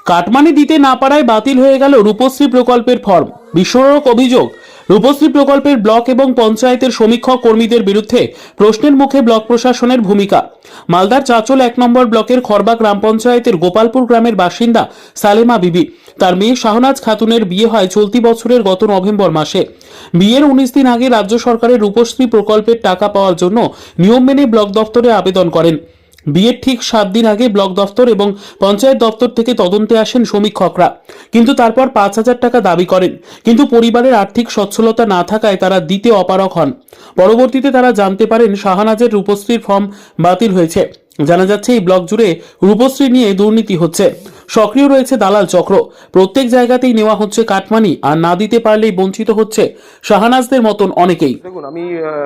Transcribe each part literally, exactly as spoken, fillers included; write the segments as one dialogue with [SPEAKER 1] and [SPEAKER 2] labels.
[SPEAKER 1] Cut money দিতে না পারায় বাতিল হয়ে গেল রূপশ্রী প্রকল্পের ফর্ম। বিস্ফোরক অভিযোগ, রূপশ্রী প্রকল্পের ব্লক এবং পঞ্চায়েতের সমীক্ষক কর্মীদের বিরুদ্ধে প্রশ্নের মুখে ব্লক প্রশাসনের ভূমিকা। মালদার চাঁচল এক নম্বর ব্লকের খরবা গ্রাম পঞ্চায়েতের গোপালপুর গ্রামের বাসিন্দা সালেমা বিবি। তার মেয়ে শাহনাজ খাতুনের বিয়ে হয় চলতি বছরের গত নভেম্বর মাসে। বিয়ের উনিশ দিন আগে রাজ্য সরকারের রূপশ্রী প্রকল্পের টাকা পাওয়ার জন্য নিয়ম মেনে ব্লক দপ্তরে আবেদন করেন। বিয়ের ঠিক সাত দিন আগে ব্লক দফতর এবং পঞ্চায়েত দপ্তর থেকে তদন্তে আসেন সমীক্ষকরা, কিন্তু তারপর পাঁচ হাজার টাকা দাবি করেন। কিন্তু পরিবারের আর্থিক সচ্ছলতা না থাকায় তারা দিতে অপারগ হন। পরবর্তীতে তারা জানতে পারেন শাহনাজের রূপশ্রীর ফর্ম বাতিল হয়েছে। জানা যাচ্ছে এই ব্লক জুড়ে রূপশ্রী নিয়ে দুর্নীতি হচ্ছে। সক্রিয় রয়েছে দালাল চক্র। প্রত্যেক জায়গাতেই নেওয়া হচ্ছে কাটমানি, আর না দিতে পারলেই বঞ্চিত হচ্ছে শাহনাজদের মতন অনেকেই।
[SPEAKER 2] দেখুন, আমি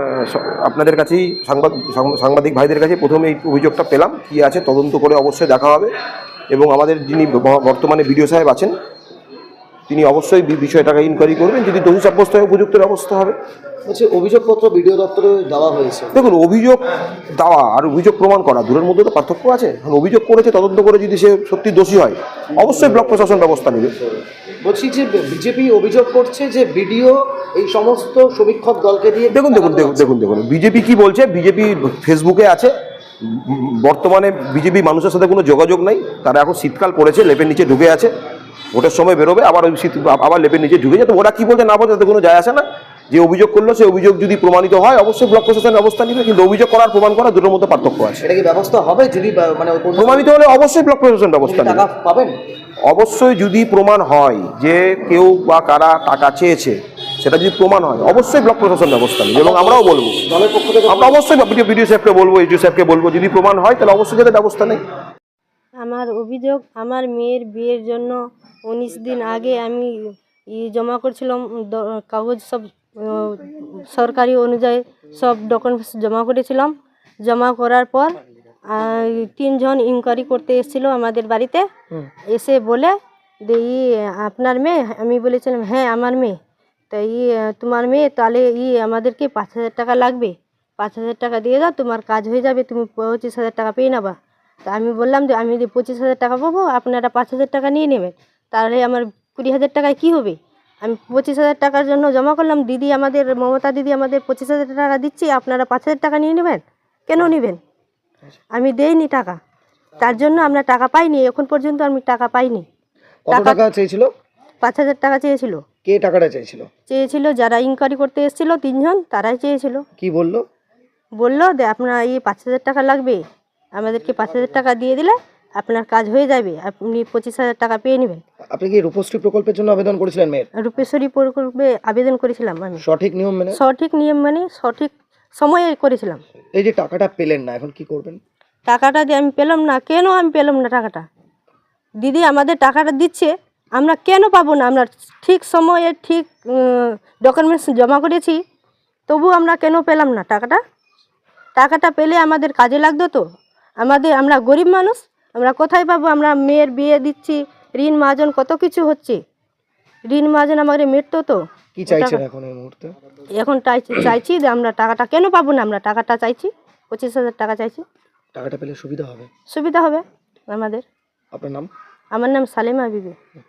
[SPEAKER 2] আপনাদের কাছেই সাংবাদ সাংবাদিক ভাইদের কাছে প্রথমে এই অভিযোগটা পেলাম। কি আছে তদন্ত করে অবশ্যই দেখা হবে, এবং আমাদের যিনি বর্তমানে বিডিও সাহেব আছেন তিনি অবশ্যই বিষয়টাকে ইনকোয়ারি করবেন। যদি দোষী সাব্যস্ত হয় উপযুক্ত ব্যবস্থা হবে।
[SPEAKER 3] বলছি, অভিযোগপত্র বিডিও দপ্তরে দেওয়া হয়েছে।
[SPEAKER 2] দেখুন, অভিযোগ দেওয়া আর অভিযোগ প্রমাণ করা দূরের মধ্যে তো পার্থক্য আছে। এখন অভিযোগ করেছে, তদন্ত করে যদি সে সত্যি দোষী হয় অবশ্যই ব্লক প্রশাসন ব্যবস্থা নেবে।
[SPEAKER 3] বলছি যে বিজেপি অভিযোগ করছে যে বিডিও এই সমস্ত সমীক্ষক দলকে দিয়ে।
[SPEAKER 2] দেখুন দেখুন দেখুন দেখুন দেখুন বিজেপি কি বলছে। বিজেপি ফেসবুকে আছে। বর্তমানে বিজেপি মানুষের সাথে কোনো যোগাযোগ নাই। তারা এখন শীতকাল পড়েছে, লেপের নিচে ঢুকে আছে। ভোটের সময় বেরোবে, আবার ওই শীত আবার লেপের নিচে ঢুকে যায়। তো ওরা কি বলছে না বলছে তাতে কোনো যায় আসে না। যে অভিযোগ করলো সে অভিযোগ যদি প্রমাণিত হয় অবশ্যই ব্লক প্রশাসন ব্যবস্থা নিবে, কিন্তু অভিযোগ করার প্রমাণ করা দুটোর মধ্যে পার্থক্য আছে।
[SPEAKER 3] এটা কি ব্যবস্থা হবে যদি মানে
[SPEAKER 2] প্রমাণিত হলে অবশ্যই ব্লক প্রশাসন ব্যবস্থা নেবে।
[SPEAKER 3] টাকা পাবেন
[SPEAKER 2] অবশ্যই যদি প্রমাণ হয় যে কেউ বা কারা টাকা চেয়েছে, সেটা যদি প্রমাণ হয় অবশ্যই ব্লক প্রশাসন ব্যবস্থা নেবে। এবং আমরাও বলবো,
[SPEAKER 3] দলের পক্ষ থেকে
[SPEAKER 2] আমরা অবশ্যই বিডিও সাহেবকে বলবো, এসডিও সাহেবকে বলবো, যদি প্রমাণ হয় তাহলে অবশ্যই যাতে ব্যবস্থা নেই।
[SPEAKER 4] আমার অভিযোগ, আমার মেয়ের বিয়ের জন্য উনিশ দিন আগে আমি ই জমা করছিলাম কাগজ, সব সরকারি অনুযায়ী সব ডকুমেন্টস জমা করেছিলাম। জমা করার পর তিনজন ইনকোয়ারি করতে এসেছিল আমাদের বাড়িতে। এসে বলে যে ই আপনার মেয়ে। আমি বলেছিলাম হ্যাঁ আমার মেয়ে। তো ই তোমার মেয়ে, তাহলে ই আমাদেরকে পাঁচ হাজার টাকা লাগবে, পাঁচ হাজার টাকা দিয়ে দাও, তোমার কাজ হয়ে যাবে, তুমি পঁচিশ হাজার টাকা পেয়ে নেবা। তা আমি বললাম যে আমি যদি পঁচিশ হাজার টাকা পাবো, আপনারা পাঁচ হাজার টাকা নিয়ে নেবেন, তাহলে আমার কুড়ি হাজার টাকায় কী হবে? আমি পঁচিশ হাজার টাকার জন্য জমা করলাম। দিদি আমাদের, মমতা দিদি আমাদের পঁচিশ হাজার টাকা দিচ্ছি, আপনারা পাঁচ হাজার টাকা নিয়ে নেবেন। কেন নেবেন? আমি দেইনি টাকা, তার জন্য আমরা টাকা পাইনি। এখন পর্যন্ত আমি টাকা পাইনি।
[SPEAKER 3] কত টাকা চেয়েছিল?
[SPEAKER 4] পাঁচ হাজার টাকা চেয়েছিল।
[SPEAKER 3] কে টাকাটা চেয়েছিল?
[SPEAKER 4] চেয়েছিল যারা ইনকোয়ারি করতে এসেছিল তিনজন, তারাই চেয়েছিল।
[SPEAKER 3] কি বললো?
[SPEAKER 4] বললো যে আপনার এই পাঁচ হাজার টাকা লাগবে, আমাদেরকে পাঁচ হাজার টাকা দিয়ে দিলে আপনার কাজ হয়ে যাবে, আপনি পঁচিশ হাজার টাকা পেয়ে নেবেন।
[SPEAKER 3] আপনি কি রূপশ্রী প্রকল্পের জন্য আবেদন করেছিলেন মেয়ের?
[SPEAKER 4] রূপেশ্বরী প্রকল্পে আবেদন করেছিলাম আমি,
[SPEAKER 3] সঠিক নিয়ম মেনে?
[SPEAKER 4] সঠিক নিয়ম মানে সঠিক সময়ে করেছিলাম।
[SPEAKER 3] এই যে টাকাটা পেলেন না, এখন কি করবেন?
[SPEAKER 4] টাকাটা যে আমি পেলাম না, কেন আমি পেলাম না টাকাটা? দিদি আমাদের টাকাটা দিচ্ছে, আমরা কেন পাবো না? আমরা ঠিক সময়ে ঠিক ডকুমেন্টস জমা করেছি, তবু আমরা কেন পেলাম না টাকাটা? টাকাটা পেলে আমাদের কাজে লাগতো তো। আমাদের, আমরা গরিব মানুষ, আমরা কোথায় পাবো? আমরা মেয়ের বিয়ে দিচ্ছি, ঋণ মাজন কত কিছু হচ্ছে, ঋণ মাজন আমাদের মেটতো তো।
[SPEAKER 3] কি চাইছেন এখন এই মুহূর্তে?
[SPEAKER 4] এখন চাইছি যে আমরা টাকাটা কেন পাবো না? আমরা টাকাটা চাইছি, পঁচিশ হাজার টাকা চাইছি।
[SPEAKER 3] টাকাটা পেলে সুবিধা হবে?
[SPEAKER 4] সুবিধা হবে আমাদের।
[SPEAKER 3] আপনার নাম?
[SPEAKER 4] আমার নাম সালেমা বিবি।